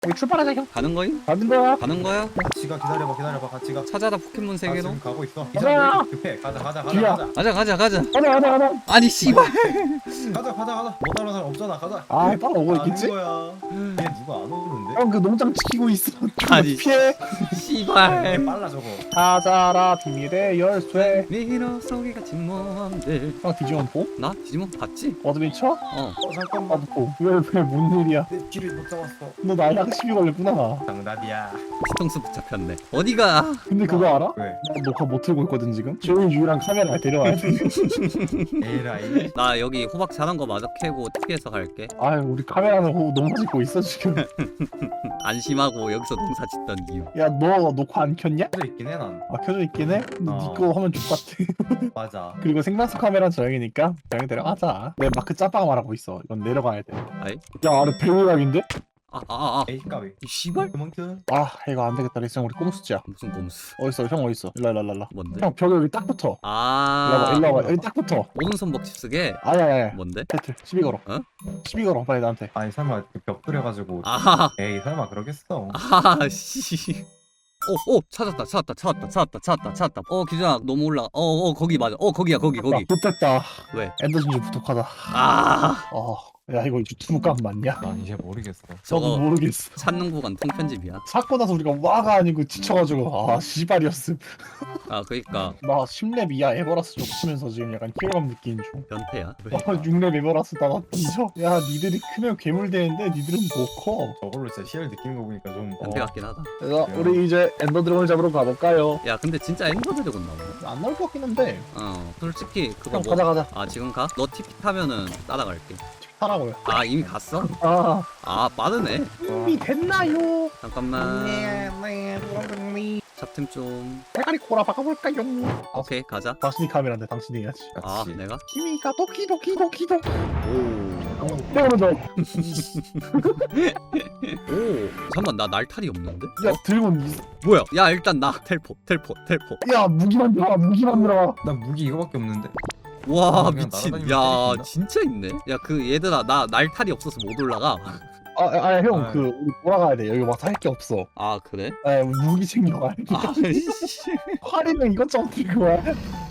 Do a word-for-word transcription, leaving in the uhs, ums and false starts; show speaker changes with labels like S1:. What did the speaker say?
S1: 우리 출발하자 형.
S2: 가는 거임?
S1: 가는 거야.
S2: 가는 거야?
S3: 같이 가. 기다려봐 기다려봐 같이 가.
S2: 찾아라 포켓몬
S3: 나
S2: 세계로.
S3: 지금 가고 있어. 이
S1: 가자.
S3: 사람 왜 이렇게 급해? 가자 가자 가자
S1: 뒤야.
S3: 가자
S2: 가자 가자 가자.
S1: 가자 가자 가자.
S2: 아니 씨발.
S3: 가자 가자 가자. 못 따라오는 사람 없잖아. 가자.
S1: 아 따라오고
S3: 가는
S1: 있겠지?
S3: 거야. 얘 누가 안 오는데?
S1: 형 그 농장 지키고 있어.
S2: 아니.
S1: 피해.
S2: 씨발.
S3: 얘 빨라 저거.
S1: 찾아라 비밀의 열쇠.
S2: 미러 속이가 진모함들.
S1: 형 디지몬 보?
S2: 나 디지몬 봤지?
S1: 어드벤처?
S2: 어.
S3: 어 잠깐만.
S1: 나도 보. 왜왜뭔 일이야?
S3: 내 뒤를 못 잡았어.
S1: 너 나이랑 시비 걸렸구나.
S3: 정답이야.
S2: 뒤통수 붙잡혔네. 어디가?
S1: 근데 그거 알아?
S3: 왜?
S1: 나 녹화 못 틀고 있거든 지금. 조용히 유랑 카메라 데려와야 돼.
S3: 에라이.
S2: 나 여기 호박 자란 거 마저 캐고 특이해서 갈게.
S1: 아유 우리 카메라는 호 농사 짓고 있어 지금.
S2: 안심하고 여기서 농사 짓던 이유.
S1: 야 너 녹화 안 켰냐?
S3: 켜져 있긴 해 난.
S1: 아 켜져 있긴 해? 근데
S3: 어.
S1: 니거 화면 족같아.
S3: 맞아.
S1: 그리고 생방송 카메라는 저형이니까 저형 데려가자. 내 마크 짬빵 말하고 있어. 이건 내려가야 돼.
S2: 아이?
S1: 야 아래 배우각인데?
S2: 아아 아. 아.
S3: 에이 까비.
S2: 이 씨발?
S3: 그만큼.
S1: 아 이거 안 되겠다. 리슨 우리 꼼수지야.
S2: 무슨 꼼수?
S1: 어딨어? 형 어딨어? 일로 일로 일로 일로.
S2: 뭔데?
S1: 형 벽에 여기 딱 붙어. 일로 와봐
S2: 아.
S1: 일로 와봐 여기 딱 붙어.
S2: 오른손 먹집 쓰게.
S1: 아야야야.
S2: 뭔데?
S1: 배틀 시비 걸어.
S2: 어?
S1: 시비 걸어 빨리 나한테.
S3: 아니 설마 벽 뚫려가지고.
S2: 아하.
S3: 에이 설마 그러겠어.
S2: 아 씨. 오, 오, 찾았다, 찾았다, 찾았다, 찾았다, 찾았다, 찾았다. 어, 기준아, 너무 올라. 어, 어, 거기 맞아. 어, 거기야, 거기, 거기.
S1: 좋됐다.
S2: 왜?
S1: 엔더 진주 부족하다.
S2: 아,
S1: 어. 야 이거 유튜브 값 맞냐?
S3: 난 이제 모르겠어.
S1: 저도
S2: 저거
S1: 모르겠어.
S2: 찾는 구간 통편집이야.
S1: 사고 나서 우리가 와가 아니고 지쳐가지고 아 씨발이었음.
S2: 아, 그니까
S1: 나 십 렙 이하 에버라스 좀 치면서 지금 약간 피로감 느끼는 중.
S2: 변태야. 왜?
S1: 아, 육 렙 에버라스 나나 뒤져. 야 니들이 크면 괴물 되는데 니들은 못 커.
S3: 저걸로 진짜 시야를 느끼는 거 보니까 좀.
S2: 변태
S3: 어,
S2: 같긴 하다.
S1: 그래서 우리 이제 엔더 드래곤 잡으러 가볼까요?
S2: 야, 근데 진짜 엔더 드래곤 나오네.
S1: 안 나올 것 같긴 한데.
S2: 어, 솔직히 그거
S1: 형
S2: 뭐?
S1: 가자 가자.
S2: 아, 지금 가? 너 티피 타면은 따라갈게.
S1: 타라고요.
S2: 아, 이미 갔어?
S1: 아
S2: 아, 빠르네.
S1: 이미 됐나요?
S2: 잠깐만.
S1: 네,
S2: 잡템 좀.
S1: 대가리 코라 바꿔볼까요?
S2: 오케이, 가자.
S1: 당신이 카메라인데 당신이 해야지.
S2: 아,
S3: 같이.
S2: 내가?
S1: 키미가 도키도키도키도.
S2: 오.
S1: 때려줘.
S2: 오. 잠깐만, 나 날탈이 없는데?
S1: 야 들고 이-
S2: 뭐야? 야, 일단 나 텔포, 텔포, 텔포.
S1: 야 무기만 들어와 무기만 들어와.
S3: 난 무기 이거밖에 없는데.
S2: 와,
S3: 그냥
S2: 미친.
S3: 날아다니면
S2: 야,
S3: 때리겠나?
S2: 진짜 있네. 야, 그 얘들아, 나 날탈이 없어서 못 올라가.
S1: 아아형
S3: 아.
S1: 그 우리 돌아가야 돼. 여기 와서 할 게 없어.
S2: 아, 그래?
S1: 아 무기 챙겨와.
S2: 아, 씨.
S1: 활이는 이것저것 들고 와.